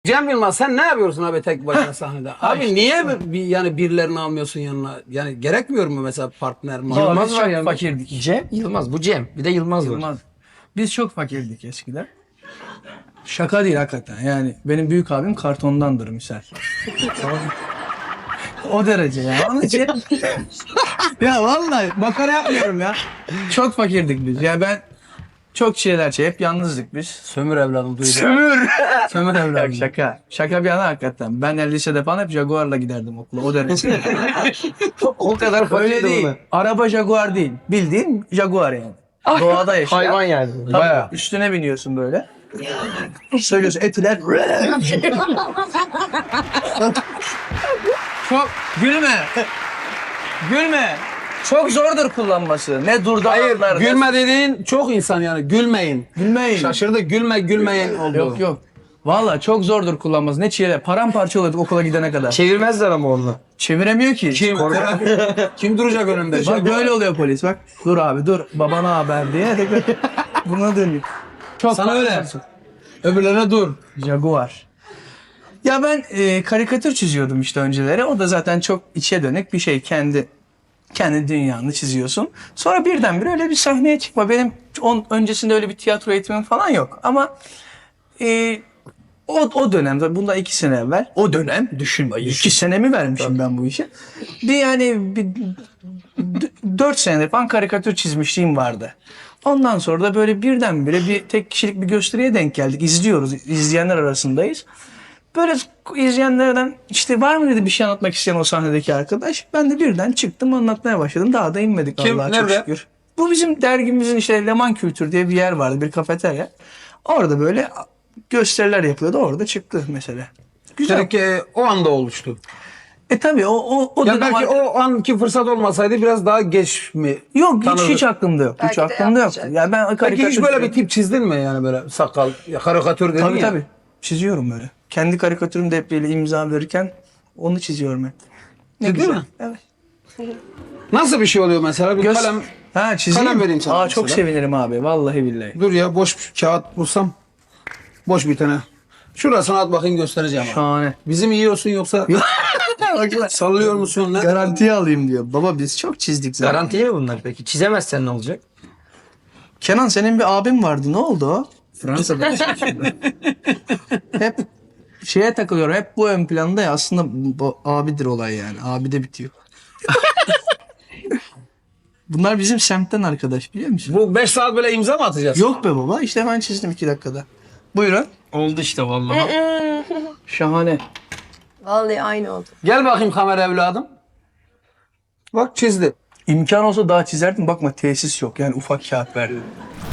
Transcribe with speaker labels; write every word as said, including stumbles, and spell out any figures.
Speaker 1: Cem Yılmaz sen ne yapıyorsun abi tek başına sahnede? Abi niye bir, yani birilerini almıyorsun yanına? Yani gerekmiyor mu mesela partner mi?
Speaker 2: Yılmaz
Speaker 3: Biz
Speaker 2: var
Speaker 3: çok
Speaker 2: yanında.
Speaker 3: fakirdik.
Speaker 2: Cem, Yılmaz. Bu Cem. Bir de Yılmaz, var.
Speaker 3: Yılmaz. Biz çok fakirdik eskiden. Şaka değil hakikaten. Yani benim büyük abim kartondandır misal. O derece ya. Onun için... ya vallahi makara yapmıyorum ya. Çok fakirdik biz. Ya ben çok şeyler şey hep yalnızdık biz.
Speaker 1: Sömür evladım duyacağım.
Speaker 3: Sömür. Sömür evladım. Şaka. Şaka bir yana hakikaten. Ben de lisede falan hep Jaguar'la giderdim okula. O derece.
Speaker 2: O kadar
Speaker 3: Öyle
Speaker 2: fakirdi
Speaker 3: değil.
Speaker 2: bunlar.
Speaker 3: Araba Jaguar değil. Bildiğin Jaguar yani. Doğada yaşayan.
Speaker 2: Hayvan yani.
Speaker 3: Tabii,
Speaker 1: Bayağı.
Speaker 3: üstüne biniyorsun böyle. Söylüyorsun etiler. Çok gülme. Gülme. Çok zordur kullanması. Ne durdu
Speaker 1: Hayır
Speaker 3: atlar, ne-
Speaker 1: gülme dediğin çok insan yani gülmeyin.
Speaker 3: Gülmeyin.
Speaker 1: Şaşırdı gülme gülmeyin oldu.
Speaker 3: Yok yok. Valla çok zordur kullanması. Ne çile. Paramparça oluyorduk okula gidene kadar.
Speaker 2: Çevirmezler ama onu.
Speaker 3: Çeviremiyor ki.
Speaker 1: Kim, kim duracak önümde?
Speaker 3: Bak böyle oluyor polis bak. Dur abi dur. Babana haber diye. tekrar buna dönüyor. Çok
Speaker 1: Sana öyle. Öbürlerine dur.
Speaker 3: Jaguar. Ya ben e, karikatür çiziyordum işte önceleri. O da zaten çok içe dönük bir şey. Kendi kendi dünyanı çiziyorsun. Sonra birdenbire öyle bir sahneye çıkma. Benim on, öncesinde öyle bir tiyatro eğitimim falan yok. Ama e, o, o dönem, bundan iki sene evvel, o dönem düşün. iki senemi vermişim ben bu işe. Bir yani bir, d- dört senedir falan karikatür çizmişliğim vardı. Ondan sonra da böyle birdenbire bir tek kişilik bir gösteriye denk geldik. İzliyoruz, izleyenler arasındayız. Böyle izleyenlerden işte var mı dedi bir şey anlatmak isteyen o sahnedeki arkadaş. Ben de birden çıktım anlatmaya başladım. Daha da inmedik
Speaker 1: Kim?
Speaker 3: Allah'a çok
Speaker 1: Nerede?
Speaker 3: şükür. Bu bizim dergimizin işte Leman Kültür diye bir yer vardı, bir kafeterya. Orada böyle gösteriler yapıyordu. Orada çıktı mesela. Güzel.
Speaker 1: Demek ki o anda oluştu.
Speaker 3: E tabii o o o
Speaker 1: Ya
Speaker 3: dönem
Speaker 1: belki
Speaker 3: ar-
Speaker 1: o anki fırsat olmasaydı biraz daha geç mi?
Speaker 3: yok hiç
Speaker 1: tanıdık?
Speaker 3: hiç aklımda yok.
Speaker 4: Belki
Speaker 3: hiç
Speaker 4: de
Speaker 3: aklımda yok.
Speaker 4: yapmayacak.
Speaker 3: Ya ben
Speaker 1: Peki
Speaker 3: karikatür
Speaker 1: hiç böyle bir
Speaker 3: çiziyorum.
Speaker 1: tip çizdin mi yani böyle sakal, ya karikatür dedin
Speaker 3: Tabii
Speaker 1: ya.
Speaker 3: tabii. Çiziyorum böyle. Kendi karikatürümde hep böyle imza verirken onu çiziyorum hep. Ne
Speaker 1: Ciddi
Speaker 3: güzel.
Speaker 1: mi?
Speaker 3: Evet.
Speaker 1: Nasıl bir şey oluyor mesela? Bir
Speaker 3: Göz...
Speaker 1: kalem.
Speaker 3: Ha çizeyim.
Speaker 1: kalem vereyim sana
Speaker 3: Aa çok
Speaker 1: mesela.
Speaker 3: sevinirim abi. Vallahi billahi.
Speaker 1: Dur ya boş bir kağıt bulsam. Boş bir tane. Şurasına at bakayım göstereceğim. Abi.
Speaker 3: Şahane.
Speaker 1: Bizim yiyorsun yoksa sallıyor musun? Ne?
Speaker 3: Garantiye alayım diyor. Baba biz çok çizdik zaten.
Speaker 2: Garantiye mi bunlar peki? Çizemezsen ne olacak?
Speaker 3: Kenan senin bir abin vardı. Ne oldu o?
Speaker 1: Fransa'da.
Speaker 3: Hep şeye takılıyor. Hep bu ön planda ya. Aslında bu abidir olay yani. Abi de bitiyor. Bunlar bizim semtten arkadaş biliyor musun?
Speaker 1: Bu beş saat böyle imza mı atacağız?
Speaker 3: Yok be baba. İşte hemen çizdim iki dakikada. Buyurun.
Speaker 2: Oldu işte vallahi.
Speaker 3: Şahane.
Speaker 4: Vallahi aynı oldu.
Speaker 1: Gel bakayım kamera evladım. Bak çizdi.
Speaker 3: İmkan olsa daha çizerdim. Bakma tesis yok. Yani ufak kağıt verdim.